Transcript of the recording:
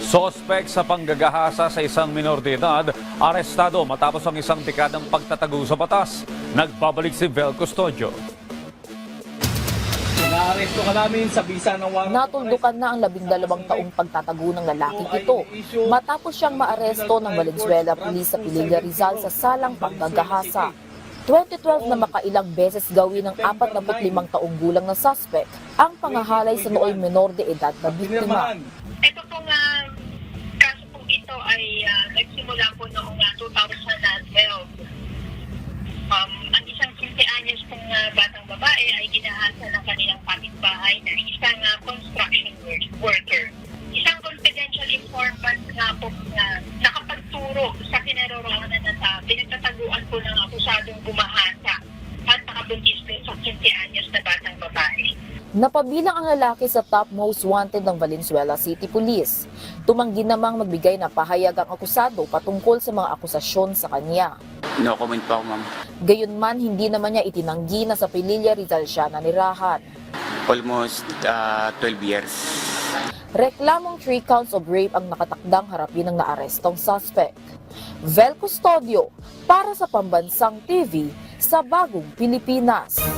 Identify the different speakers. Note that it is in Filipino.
Speaker 1: Sospek sa panggagahasa sa isang minor de edad, arestado matapos ang isang dekadang pagtatago sa batas. Nagbabalik si Vel Custodio.
Speaker 2: Naaresto ka namin sa bisa ng warrant.
Speaker 3: Natuldukan na ang 12 taong pagtatago ng lalaking ito matapos siyang maaresto ng Valenzuela Police sa Pililla Rizal sa salang panggagahasa. 2012 na makailang beses gawin ng 45 taong gulang na suspect ang pangahalay sa nooy menor de edad na biktima.
Speaker 4: Ito pong kaso pong ito ay nagsimula po noong 2012. Ang isang 15 anyos pong batang babae ay ginahasa ng kanilang kapitbahay na isang construction worker. Isang confidential informant nga po na nakapagturo sa kinaroroonan na pinagtataguan po ng akusadong bumahasa at nakabuntis din sa 15 anyos na batang babae.
Speaker 3: Napabilang ang lalaki sa top most wanted ng Valenzuela City Police. Tumanggi namang magbigay na pahayag ang akusado patungkol sa mga akusasyon sa kanya.
Speaker 5: No comment pa ako, ma'am.
Speaker 3: Gayunman, hindi naman niya itinanggi na sa Pililla Rizal siya nanirahan.
Speaker 5: Almost 12 years.
Speaker 3: Reklamong 3 counts of rape ang nakatakdang harapin ng naarestong suspect. Vel Custodio para sa Pambansang TV sa Bagong Pilipinas.